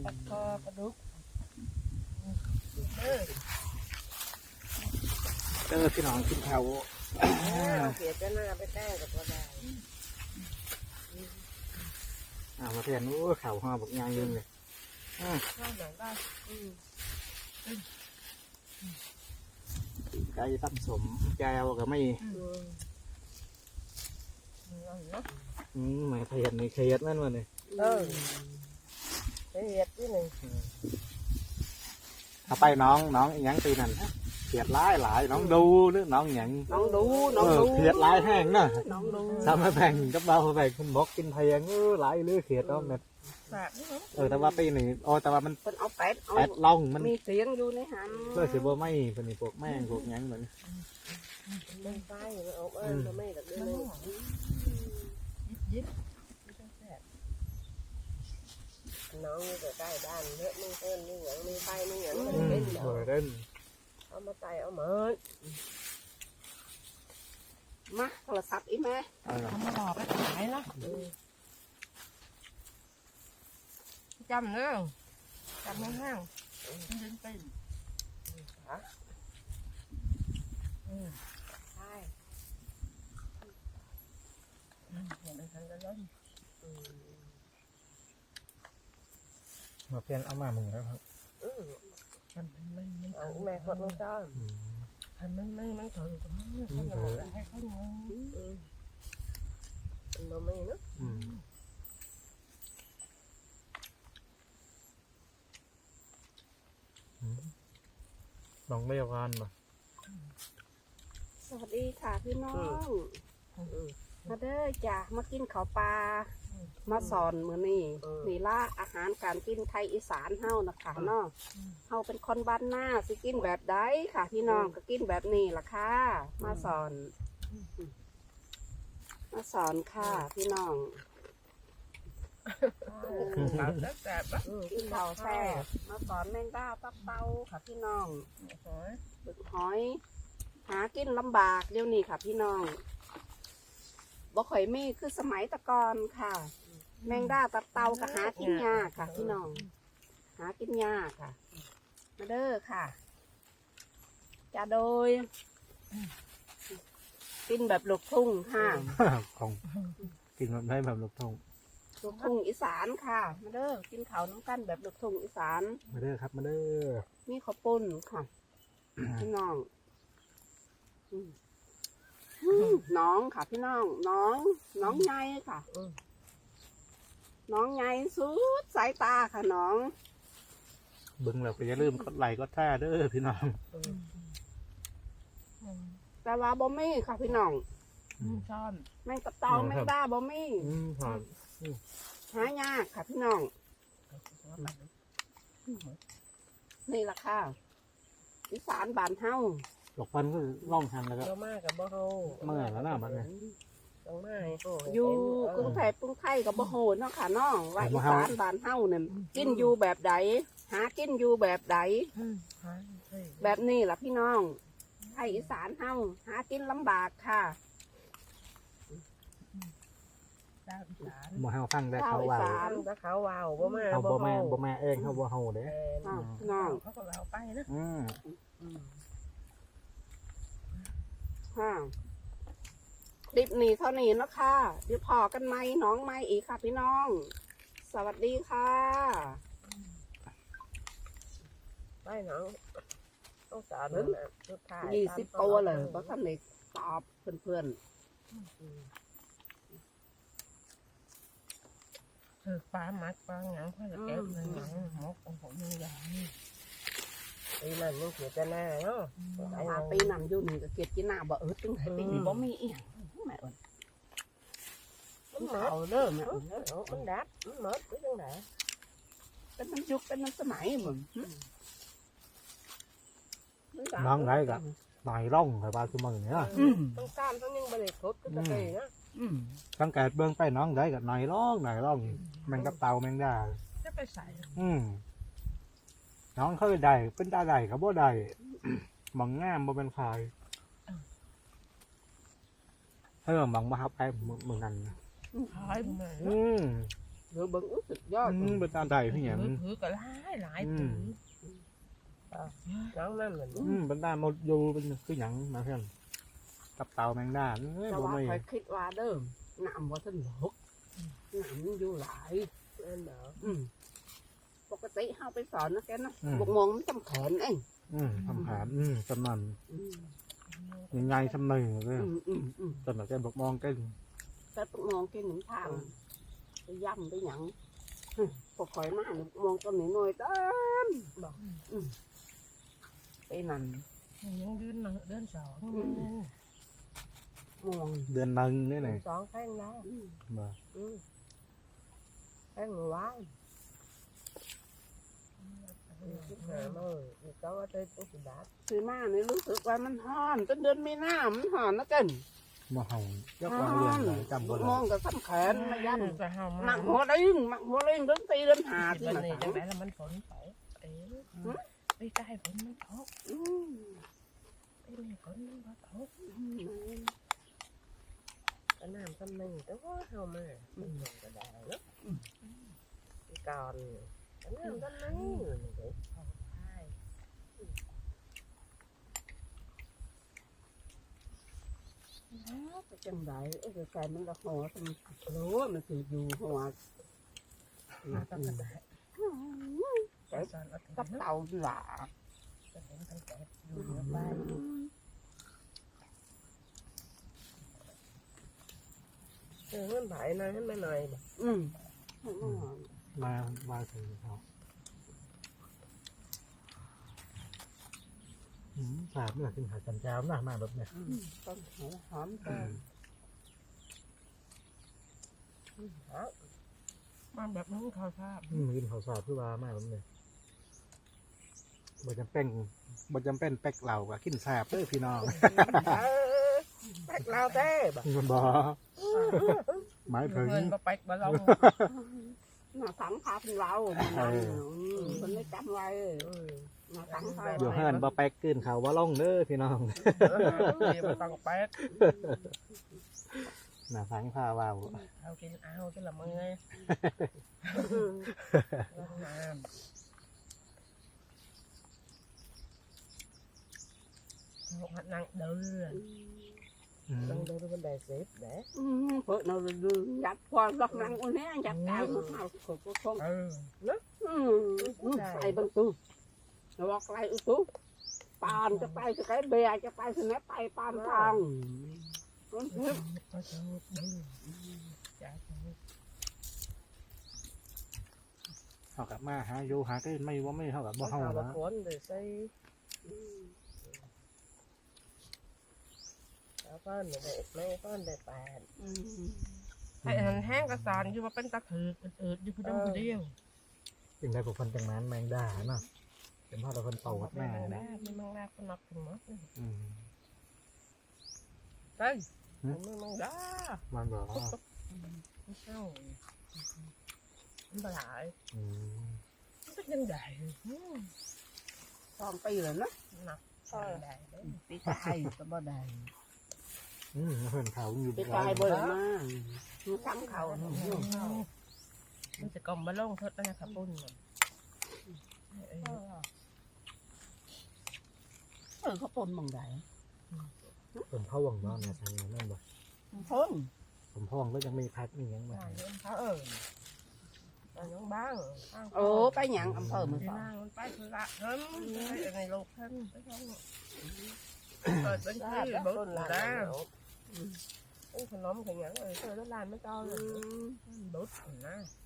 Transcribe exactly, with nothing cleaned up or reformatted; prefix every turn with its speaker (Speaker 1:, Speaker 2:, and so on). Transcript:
Speaker 1: ปลาคอปลาดุกเออ
Speaker 2: เจอพี่น้องกินข้าว
Speaker 1: เสียจะหน้าไปแต้กับตัวใด
Speaker 2: อ่ามาเพียนโอ้ข้าวห่อบักยางยืนเลย
Speaker 1: ข้าวหนังได้
Speaker 2: ไก่ตั้มสมแก้วก็ไม่ อืมหมายเทียนนี่เทียนนั่นวะเนี่ย
Speaker 1: เออเสียดที่หนึ่ง
Speaker 2: เอาไปน้องน้องอีหยังตีนั่นเทียดร้ายหลายน้องดูหรือน้องหยัง
Speaker 1: น้องดูน้
Speaker 2: เอ
Speaker 1: อง
Speaker 2: อ
Speaker 1: ดู
Speaker 2: เทียดร้ายแห้งน่ะ
Speaker 1: น้องดู
Speaker 2: ทำมาแบ่งกับเราแบ่งคุณบอกกินเทียงเออหลายเลือเทียดต้องเนี่ย
Speaker 1: ฝากนี่มั้ง
Speaker 2: เออแต่ว่าปีนี้โอ้แต่ว่ามัน
Speaker 1: เป็นเอาเป็ดเอา
Speaker 2: แปดล่องมัน
Speaker 1: มีเสียงอยู่ในหัน
Speaker 2: เพื่อสิบ่ไม่เป็นพวกแม่งพวกหยังเหมือน
Speaker 1: ไม่ไฟมันเอาเอิญมันไม่แบบนี้ยิบน้องอยู่ใกล้บ้านเยอะมึงเอิญนี่อย่างมีไฟนี่อย่างมัน
Speaker 2: อืม
Speaker 1: เป็น
Speaker 2: เออเด่น
Speaker 1: เอามาไต่เอาเหมือนมาโทรศัพท์อีแม่
Speaker 2: เออ
Speaker 1: เอามาหลอกไปขายละจำเนอะจำไม่ห้างมันดึงเป็นฮะใช่เห็นมันทันกันแล้ว
Speaker 2: มาเพียนเอามามึงแล้วครับ
Speaker 1: มันมันมันเอาแม่คนน้องจ้ามันมันมันมันถอยอยู่ตรงนั้นเขาจะบอกให้เขางงมันไม่เนอะ
Speaker 2: อืมลองไม่เอากันป่ะ
Speaker 3: สวัสดีค่ะพี่น้องมาเด้อจ้ะมากินข้าวปลามาสอนมื้อนี้นี่ล่ะอาหารการกินไทยอีสานเฮานะคะเนาะเฮาเป็นคนบ้านหน้าสิกินแบบใดค่ะ พี่น้องก็กินแบบนี้ล่ะค่ะมาสอน มาสอนค่ะพี่น้องกินข้าวแซ่บมาสอนแมงดาตับเต้าค่ะพี่น้องบึกหอย หากินลำบากเดี๋ยวนี้ค่ะพี่น้องบ่ข่อยมีคือสมัยตะกอนค่ะ แมงดาตับเตาก็หากินยากค่ะพี่น้อง หากินยากค่ะ มาเด้อค่ะจะโดย กินแบบลูกทุ่งค่ะ
Speaker 2: ของกินแบบได้แบบลูกทุ่ง
Speaker 3: ลูกทุ่งอีสานค่ะ มาเด้อกินข้าวน้ำกันแบบลูกทุ่งอีสาน
Speaker 2: มาเด้อครับมาเด้อ
Speaker 3: มีข้าวปุ้นค่ะ พี่น้องอืมน้องค่ะพี่น้อง น้อง น้องใหญ่ค่ะน้องใหญ่สุดสายตาค่ะน้อง
Speaker 2: เบิ่งแล้วก็อย่าลืมกดไลค์กดแชร์เด้อพี่น้อง
Speaker 3: แต่ว่าบ่มีค่ะพี่น้อง
Speaker 1: ช้อน
Speaker 3: แมงกะเตาแมงดาบ่มี
Speaker 2: อืมหอม
Speaker 3: หายากค่ะพี่น้อง นี่ล่ะค่ะอีสานบ้านเฮา
Speaker 2: หลอกฟันก็ล่องทันแล้วก็
Speaker 1: เรามากกับบ่เฮา
Speaker 2: เมื่อยแล้วนะบัดนี้
Speaker 1: ต้องมา
Speaker 3: อยู่กรุงเทพกรุงไทยกับบ่โหเนาะค่ะน้องว่าอีสานบ้านเฮาเนี่ยกินอยู่แบบใดหากินอยู่แบบใดแบบนี้ล่ะพี่น้องไทยอีสานเฮาหากินลำบากค่ะ
Speaker 2: บ่เฮาฟังได้
Speaker 3: ข้าว
Speaker 2: เขา
Speaker 3: อี
Speaker 2: ว่า
Speaker 3: สาน
Speaker 1: ถ้าเขาวาวบ่มา
Speaker 2: เขาบ่แม่บ่แม่เองเขาบ่เฮาเด้
Speaker 3: อ้าวพี่น้อง
Speaker 1: เขาก็เอาไปนะ
Speaker 2: อืม
Speaker 3: ค่ะคลิปนี้เท่านี้เนาะค่ะเดี๋ยวพอกันไหมน้องไม่อีกค่ะพี่น้อง สวัสดีค่ะ
Speaker 1: ไปน้องต้องสอนนะสุดท้าย
Speaker 3: ยี่สิบตัวเลยเพราะท่านเด็กตอบเพื่อน
Speaker 1: คือปลาหมักปลาหยังเขาจะแก้เงินหยังหมกของผมมีอย่างนี้ปีนั้นยังเสียแต่หน้าเนาะ
Speaker 3: ๆมาปีนั้นอยู่นี่ก็เก็บกินหน้าบ่เออตึงให้ปีนี้บ่มีอีหยังแม่เอ้ย
Speaker 1: มันหมดเด้อแม่มันดับมันหมดไปจังได๋
Speaker 3: เป็นน้ำยุคเป็นน้ำสมัยเหมือน
Speaker 2: น้องไรก็หน่อยร่องให้ว่าคือมึงเนี่ย
Speaker 1: ต้องการต้องยังบ่ได้ครบก็ตะเกยนะ
Speaker 2: สังเกตเบื้องไปน้องไรก็หน่อยร่องหน่อยร่องแมงกับเตาแมงดา
Speaker 1: จะไปใส่
Speaker 2: อืมน้องเขาได้เป็นตาได้เขาบ่ได้มองงามบ่เป็นใครให้มามองมาครับไอ้มึงนั่น
Speaker 1: ขายมา
Speaker 2: อืม
Speaker 3: หรือเบิ่งอุ๊ยสุดยอด
Speaker 2: อืมเป็นตาใดพี่หยัง
Speaker 1: ถือก็หลายหลายถือน้องนั่นเหมือน
Speaker 2: อืมเป็นตาหมดอยู่เป็นคือหยังมาเพื่อนกับเต่าแมงดาเอ้ย
Speaker 3: แต่
Speaker 2: บ่
Speaker 3: ว่า
Speaker 2: มี
Speaker 3: คอยคิดว่าเด้อน้ำว่าท่านหกน้ำมันอยู่หลาย
Speaker 1: นั่นเหรอ
Speaker 3: อืมปกติเฮาไปสอนนะแกนะบกมองมันจำแขนเอง
Speaker 2: อืมทำหามอืมสมัน
Speaker 3: อืม
Speaker 2: ยังไงสำนึกเลย
Speaker 3: อืมอืมอืม
Speaker 2: ตอนนั้นแกบอกมองกัน
Speaker 3: แต่บกมองกินหนึ่งทางไปย่ำไปหยังอืมพอคอยมาเนี่ยมองต้นนี้หน่อยเต้นบอกอืมไปนั่น
Speaker 1: ยังเดินเดินสอง
Speaker 3: มอง
Speaker 2: เดือนหนึงนี่ไหน
Speaker 1: สองแข้งนะ
Speaker 3: อืม
Speaker 2: มา
Speaker 3: อืม
Speaker 1: แข้งว้ายหามาอีกก็ว่าได้ตุ๊กตา
Speaker 3: ซื้อมาเนี่ยรู้สึกว่ามันห่อนจนเดือนมีน้ำมันห่อนนะเกิน
Speaker 2: มาเห่ายกวางเรือนเลยจำบ่
Speaker 3: ม
Speaker 2: ได้
Speaker 3: องกับซ้ำแขนมาย่ำ
Speaker 1: จะเห่า
Speaker 3: ห
Speaker 1: มา
Speaker 3: มักหัวเร่งหมักหัวเร่งเดินตีเดินหา
Speaker 1: หา
Speaker 3: ที่
Speaker 1: ที่
Speaker 3: ไห
Speaker 1: มัน
Speaker 3: น
Speaker 1: นี่จังไดแล้วมันฝนตกเอ๋ไปใต้ฝนมันตก
Speaker 3: อืม
Speaker 1: ไปนี่ฝนมันบ่ตก
Speaker 3: อืม
Speaker 1: ก็น้ำซ้ำนึงแต่ว่าเฮามามันลงก็ได้เนาะก่อนก็น้ำซ้ำนึงเด็กเขาพาย
Speaker 3: ก็จังไดเอ้ยใจมันละหัวมันรู้ว่ามันถืออยู่หัว
Speaker 1: มาต้องกระดาษ
Speaker 3: แต่
Speaker 1: สอนเอา
Speaker 3: กับเต่าหลา
Speaker 1: จะเห็นตั้งแต่อยู่เหนือบ้าน เออมันไผ่นะให้มาหน่อยบ่
Speaker 3: อืม
Speaker 2: มามาถึงเขาอืมสาบเมื่อกินหาจันเจ้าหน้ามาแบบเนี้ย
Speaker 3: ต้นหัวหอม
Speaker 1: มาแบบนั้นเขาทราบ
Speaker 2: อืมกินข้าวสาบคือว่ามาแบบเนี้ยบ่จำเป็นบ่จำเป็นเป็กเหล่ากับกินสาบเด้อพี่น้อง
Speaker 1: เออแป๊กเราเต้บ่
Speaker 2: มันบ่หมายถึง
Speaker 1: เงินบ่แป๊กบ่ลง
Speaker 3: หน้าสังพาเป็นเราคนไม่จำไว้หน้าสังพา
Speaker 2: อยู่เฮือนบ่แป๊กกินข้าวบ่ลงเด้อพี่น้อง
Speaker 1: เดี๋ยวบ่ต้องแป๊ก
Speaker 2: น่าสังพาว่าว
Speaker 1: เอากินเอาจะละมื้อลงน้ำเอาหัดนั่งเดิน
Speaker 2: อืม
Speaker 1: นั่งเดินบนไดเซฟเด้
Speaker 3: เพิ่นเอาดูยัดความรักนังคนนี้ยัดกายมันเอาขบคง
Speaker 1: เออเนาะ
Speaker 3: ใส่บังตู้บอกไรอุตุปานจะไปจะไปเบียจะไปสนับไปปานทาง
Speaker 1: ก็จะเดินจ้า
Speaker 2: เฮากับมาหาอยู่หากินไม่ว่าไม่เฮากับบ่เฮา
Speaker 1: บ่
Speaker 2: นะ
Speaker 1: คนเลยใส่แล้วก็หนูได้ไม่ก็ได้แปดไอ้หันแห้งกระสานอยู่ว่าเป็นตะถืออืดอยู่ผู้เดียวผู้เดียว
Speaker 2: จึงได้พวกคนจังนั้นแมงดาเนาะเป็นพ่อเราคนโตกับ
Speaker 1: แม่
Speaker 2: แม่
Speaker 1: ได้
Speaker 2: นะ
Speaker 1: ไม่มังได้ก็นับถึงหมด
Speaker 2: อืม
Speaker 1: เฮ้ยไม่มังได้
Speaker 2: มันบอกว่า
Speaker 1: ไม่เช่ามันตลาย
Speaker 2: อืม
Speaker 1: มันเป็นยังไง
Speaker 3: สองปีเลยนะ
Speaker 1: หนักได้
Speaker 3: ปีกายก็บ่ได้
Speaker 2: อืมเพื่อนเขาอยู่
Speaker 3: ปีกายบ่ได้มามันซ้ำเขา
Speaker 1: มันจะกลมบะล่งทดนะครับปุ่น
Speaker 3: เออเขาปนมองได้
Speaker 2: ผมพ่อวังนอนเนี่ยทางนั้นนั่นบ่
Speaker 3: พ้น
Speaker 2: ผมพ่อวังก็ยังมีพัดมีหยังมา
Speaker 1: เขาเออแต่ยังบ้าง
Speaker 3: โอ้ไปหยังอำเภอมัน
Speaker 1: ไป
Speaker 3: สอน
Speaker 1: นั่งไปคือละเฮ้ยไปในโลกท่านไปช่องเปิดเป็นที่บุญแล้วเป็นขนมขยันเลยเจอแล้วลานไม่ต้อนเลยบุญนะ